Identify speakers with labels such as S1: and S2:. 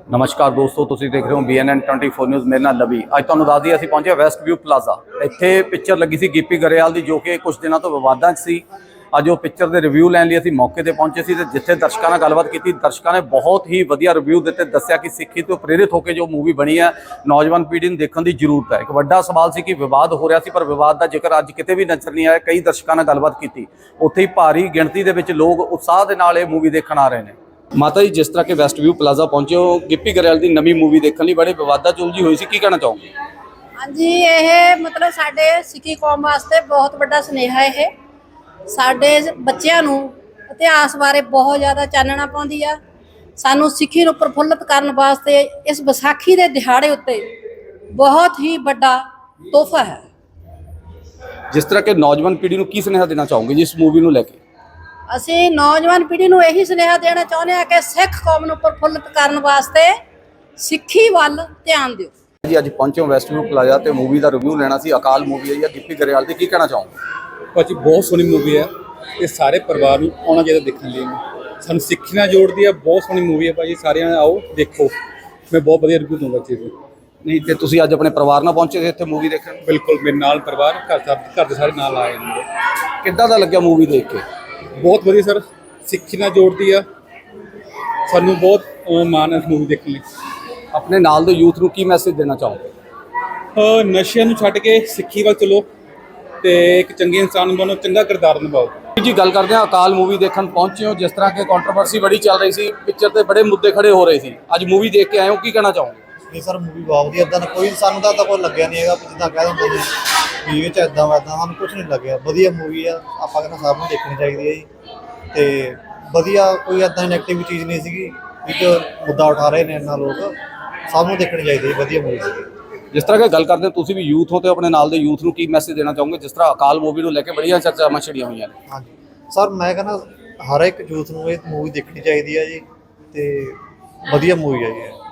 S1: नमस्कार दोस्तों, तुसीं देख रहे हो BNN 24 न्यूज़। मेरे नाल लवी। अज तुहानूं दस दईए असीं पहुंचे वैस्ट व्यू प्लाजा। इत्थे पिक्चर लगी सी गिप्पी गरेवाल दी, जो कि कुछ दिनों तो विवादां 'च सी। अज वो पिक्चर के रिव्यू लैण लई असीं मौके ते पहुंचे सी ते जिथे दर्शकों नाल गलबात की, दर्शकों ने बहुत ही वधिया रिव्यू दिते। दस्सिया कि सिੱਖੀ तो प्रेरित होकर जो मूवी बनी है नौजवान पीढ़ी नूं देखण दी जरूरत है। एक वड्डा सवाल सी कि विवाद हो रहा सी, पर विवाद का जिक्र अज किते भी नज़र नहीं आया। कई दर्शकों नाल गलबात की, उत्थे ही भारी गिणती दे विच लोग उत्साह दे नाल ये मूवी देखण आ रहे हैं। माता जी, जिस तरह के वैस्ट व्यू प्लाजा पहुंचे हो गिप्पी गरेवाल की नवी मूवी देखने लिए बड़े विवादा च उलझी हुई सी, की कहना चाहोगे?
S2: हाँ जी, ये मतलब साडे सिੱਖੀ कौम वास्ते बहुत बड़ा सुनेहा है। साडे बच्चों नूं इतिहास बारे बहुत ज़्यादा चानना पाउंदी आ। सानू सिੱਖੀ नूं प्रफुल्लित करने वास्ते इस विसाखी के दिहाड़े उत्ते बहुत ही बड़ा तोहफा है।
S1: जिस तरह के नौजवान पीढ़ी को की सुनेहा देना चाहोगे जी इस मूवी को लैके?
S2: ਅਸੀਂ नौजवान पीढ़ी ਨੂੰ ਇਹੀ ਸੁਨੇਹਾ ਦੇਣਾ ਚਾਹੁੰਦੇ ਹਾਂ ਕਿ ਸਿੱਖ ਕੌਮ ਨੂੰ ਪ੍ਰਫੁੱਲਿਤ ਕਰਨ ਵਾਸਤੇ ਸਿੱਖੀ ਵੱਲ ਧਿਆਨ ਦਿਓ।
S1: जी अज पहुंचे हो वैस्ट व्यू प्लाजा तो मूवी का रिव्यू लेना सी। अकाल मूवी आई है गिप्पी गरेवाल की कहना चाहोगे?
S3: ਭਾਜੀ ਬਹੁਤ ਸੋਹਣੀ ਮੂਵੀ ਹੈ। ਇਹ ਸਾਰੇ ਪਰਿਵਾਰ ਨੂੰ ਆਉਣਾ ਚਾਹੀਦਾ ਦੇਖਣ ਲਈ। ਸਾਨੂੰ ਸਿੱਖੀ ਨਾਲ ਜੋੜਦੀ ਹੈ। ਬਹੁਤ ਸੋਹਣੀ ਮੂਵੀ ਹੈ ਭਾਜੀ, ਸਾਰਿਆਂ ਆਓ ਦੇਖੋ। ਮੈਂ ਬਹੁਤ ਵਧੀਆ ਰਿਵਿਊ ਦੂੰਗਾ ਚੀਜ਼ ਨੂੰ।
S1: नहीं तो तुसीं अज अपने परिवार नाल पहुंचे थे इत्थे मूवी देखण?
S3: ਬਿਲਕੁਲ ਮੇਰੇ ਨਾਲ ਪਰਿਵਾਰ ਘਰ ਦੇ ਸਾਰੇ ਨਾਲ ਆਏ ਨੇ।
S1: किद्दां दा लग्गिया मूवी देख के?
S3: ਬਹੁਤ ਵਧੀਆ ਸਰ, ਸਿੱਖੀ ਨਾਲ ਜੋੜਦੀ ਆ। ਸਾਨੂੰ ਬਹੁਤ ਮਾਣ ਹੈ ਇਸ ਮੂਵੀ ਦੇਖਣ ਲਈ।
S1: अपने नाल दे यूथ नूं की मैसेज देना चाहोगे?
S3: ਨਸ਼ਿਆਂ ਨੂੰ ਛੱਡ ਕੇ ਸਿੱਖੀ ਵੱਲ ਚਲੋ ਤੇ ਇੱਕ ਚੰਗੇ ਇਨਸਾਨ ਬਣੋ, ਚੰਗਾ ਕਿਰਦਾਰ ਨਿਭਾਓ।
S1: जी गल करते हैं अकाल मूवी देखण पहुंचे हो। जिस तरह की कंट्रोवर्सी बड़ी चल रही सी, पिक्चर ते बड़े मुद्दे खड़े हो रहे सी, अज मूवी देख के आए हो, की कहना चाहोगे?
S4: ਨਹੀਂ ਸਰ, ਮੂਵੀ ਬਹੁਤ ਵਧੀਆ। ਇੱਦਾਂ ਦਾ ਕੋਈ ਸਾਨੂੰ ਤਾਂ ਕੋਈ ਲੱਗਿਆ ਨਹੀਂ ਹੈਗਾ ਵੀ ਜਿੱਦਾਂ ਕਹਿ ਦਿੰਦੇ ਨੇ ਵੀ ਇਹ 'ਚ ਇੱਦਾਂ ਵਾ, ਇੱਦਾਂ ਸਾਨੂੰ ਕੁਝ ਨਹੀਂ ਲੱਗਿਆ। ਵਧੀਆ ਮੂਵੀ ਆ, ਆਪਾਂ ਕਹਿੰਦਾ ਸਭ ਨੂੰ ਦੇਖਣੀ ਚਾਹੀਦੀ ਹੈ ਜੀ। ਤੇ ਵਧੀਆ, ਕੋਈ ਇੱਦਾਂ ਨੈਗੇਟਿਵ ਚੀਜ਼ ਨਹੀਂ ਸੀਗੀ ਵੀ ਜੋ ਮੁੱਦਾ ਉਠਾ ਰਹੇ ਨੇ ਇਹਨਾਂ ਲੋਕ। ਸਭ ਨੂੰ ਦੇਖਣੀ ਚਾਹੀਦੀ ਹੈ, ਵਧੀਆ ਮੂਵੀ ਸੀਗੀ।
S1: जिस तरह की गल करते हैं तुसीं भी यूथ हो तो अपने नाल दे यूथ नूं की मैसेज देना चाहोगे? जिस तरह अकाल मूवी नूं लैके बड़ियां चर्चावां छिड़ियां होईयां ने।
S4: ਹਾਂਜੀ ਸਰ, ਮੈਂ ਕਹਿੰਦਾ ਹਰ ਇੱਕ ਯੂਥ ਨੂੰ ਇਹ ਮੂਵੀ ਦੇਖਣੀ ਚਾਹੀਦੀ ਹੈ ਜੀ। ਤੇ ਵਧੀਆ ਮੂਵੀ ਹੈ ਜੀ।